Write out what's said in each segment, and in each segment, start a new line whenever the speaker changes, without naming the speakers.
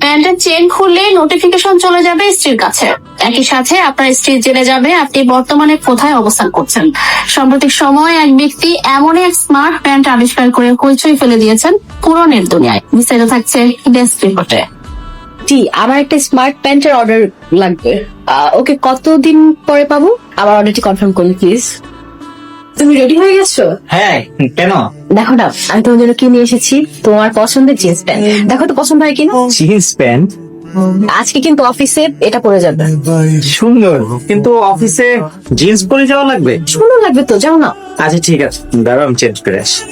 প্যান্টের চেন খুললে নোটিফিকেশন চলে যাবে স্ত্রীর কাছে। একই সাথে আপনার স্ত্রী জেনে যাবে আপনি বর্তমানে কোথায় অবস্থান করছেন। সাম্প্রতিক সময় এক ব্যক্তি এমন এক স্মার্ট প্যান্ট আবিষ্কার করে হইচই ফেলে দিয়েছেন পুরনের দুনিয়ায়। বিস্তারিত থাকছে ডেস্ক রিপোর্টে।
জি, আমার একটা স্মার্ট প্যান্টের অর্ডার লাগবে। ওকে, কতদিন পরে পাবো? আমার অর্ডারটি কনফার্ম করুন প্লিজ। তুমি রেডি হয়ে গেছো?
হ্যাঁ, কেন?
দেখো না, আমি তোমার জন্য কি নিয়ে এসেছি। তোমার পছন্দের জিন্স প্যান্ট। দেখো তো পছন্দ হয় কিনা।
জিন্স প্যান্ট
আজকে কিন্তু অফিসে এটা পরে যাবে।
সুন্দর, কিন্তু অফিসে জিন্স পরে যাওয়া লাগবে।
সুন্দর লাগবে তো, যাও না।
আচ্ছা ঠিক আছে, দাঁড়াও আমি চেঞ্জ করে আসি।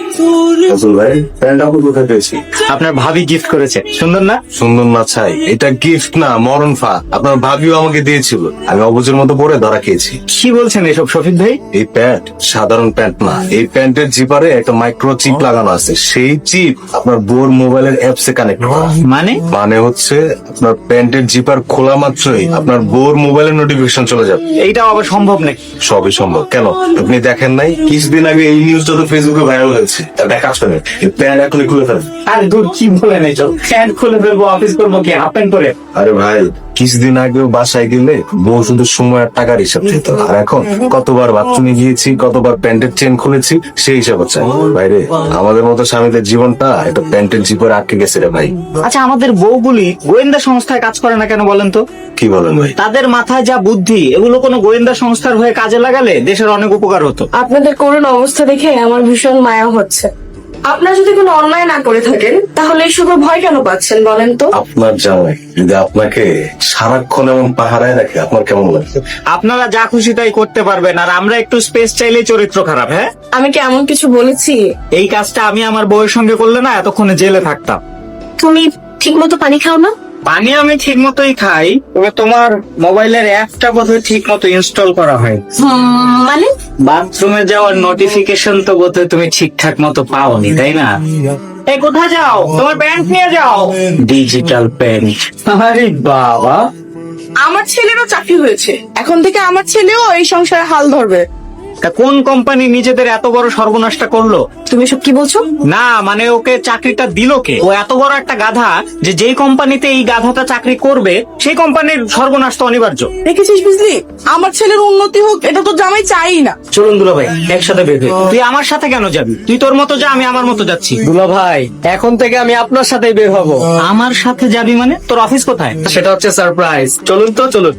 রাসেল ভাই, প্যান্টটা আপনি কোথায় পেয়েছি?
আপনার ভাবি গিফট করেছে, সুন্দর না?
সুন্দর না ছাই, এটা গিফট না মরণ ফা। আপনার ভাবিও আমাকে দিয়েছিল, আমি অবুজের মতো পরে ধরা খেয়েছি।
কি বলছেন এসব শফিক ভাই?
এই প্যান্ট সাধারণ প্যান্ট না, এই প্যান্টের জিপারে একটা মাইক্রো চিপ লাগানো আছে। সেই চিপ আপনার বোর মোবাইলের অ্যাপসে কানেক্ট করা। মানে হচ্ছে আপনার প্যান্টের জিপার খোলা মাত্রই আপনার বোর মোবাইলের নোটিফিকেশন চলে যাবে।
এইটা আবার সম্ভব নাকি?
সবই সম্ভব। কেন আপনি দেখেন নাই কিছুদিন আগে এই নিউজটা তো ফেসবুকে ভাইরাল হয়েছে? একটা কাজ করেন, এই প্যান্ট এখনই খুলে ফেলেন।
আরে দূর, কি বলেন এইসব? প্যান্ট খুলে ফেলবো, অফিস করবো কি হাফ প্যান্ট পরে?
আরে ভাই, কিছুদিন আগেও বাসায় গেলে বউ শুধু সময় আর টাকার হিসাব দিত, আর এখন কতবার বাথরুমে গিয়েছি, কতবার প্যান্টের চেন খুলেছি সেই হিসাব হচ্ছে। ভাইরে, আমাদের মতো স্বামীদের জীবনটা একটা প্যান্টের জিপে আটকে গেছে রে ভাই।
আচ্ছা, আমাদের বউগুলি গোয়েন্দা সংস্থায় কাজ করে না কেন বলেন তো?
কি বলেন ভাই?
তাদের মাথায় যা বুদ্ধি, এগুলো কোনো গোয়েন্দা সংস্থার হয়ে কাজে লাগালে দেশের অনেক উপকার হতো।
আপনাদের করুণ অবস্থা দেখে আমার ভীষণ মায়া হচ্ছে। আপনারা যদি কোনো অন্যায় না করে থাকেন তাহলে এইসবের ভয় কেন পাচ্ছেন বলেন তো?
আপনার জামাই যদি আপনাকে সারাক্ষণ এমন পাহারায় রাখে আপনার কেমন লাগছে?
আপনারা যা খুশি তাই করতে পারবেন, আর আমরা একটু স্পেস চাইলেই চরিত্র খারাপ। হ্যাঁ,
আমি কি এমন কিছু বলেছি?
এই কাজটা আমি আমার বউয়ের সঙ্গে করলে না এতক্ষণে জেলে থাকতাম।
তুমি ঠিক মতো পানি খাও না?
পানি আমি ঠিক মতোই খাই, তবে তোমার মোবাইলের অ্যাপটা বোধহয় ঠিক মতো ইনস্টল করা হয়।
মানে
বাথরুমে যাওয়ার নোটিফিকেশন তো বোধহয় তুমি ঠিকঠাক মতো পাওনি, তাই না? এই কোথায় যাও? তোমার প্যান্ট নিয়ে যাও। Digital pant. আরে বাবা,
আমার ছেলেরও চাকরি হয়েছে, এখন থেকে আমার ছেলেও এই সংসারে হাল ধরবে।
তা কোন কোম্পানি নিজেদের এত বড় সর্বনাশটা করলো?
তুমি সব কি বলছো?
না মানে ওকে চাকরিটা দিল কে? ও এত বড় একটা গাধা যে যেই কোম্পানিতে এই গাধাটা চাকরি করবে সেই কোম্পানির সর্বনাশ তো অনিবার্য।
দেখেছিস বুঝলি, আমার ছেলের উন্নতি হোক এটা তো জামাই চাই না।
চলুন দুলা ভাই, একসাথে বের হই। তুই আমার সাথে কেন যাবি? তুই তোর মতো যা, আমি আমার মতো যাচ্ছি।
দুলা ভাই, এখন থেকে আমি আপনার সাথেই বের হব।
আমার সাথে যাবি মানে? তোর অফিস কোথায়?
সেটা হচ্ছে সারপ্রাইজ। চলুন তো, চলুন।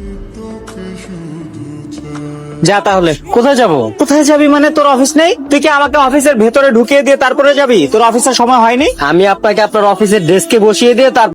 যা তাহলে।
কোথায় যাব?
কোথায় যাবি মানে? তোর অফিস নেই? তুই কি আমাকে অফিসের ভেতরে ঢুকিয়ে দিয়ে তারপরে যাবি? তোর অফিসের সময় হয়নি?
আমি আপনাকে আপনার অফিসের ডেস্কে বসিয়ে দিয়ে তার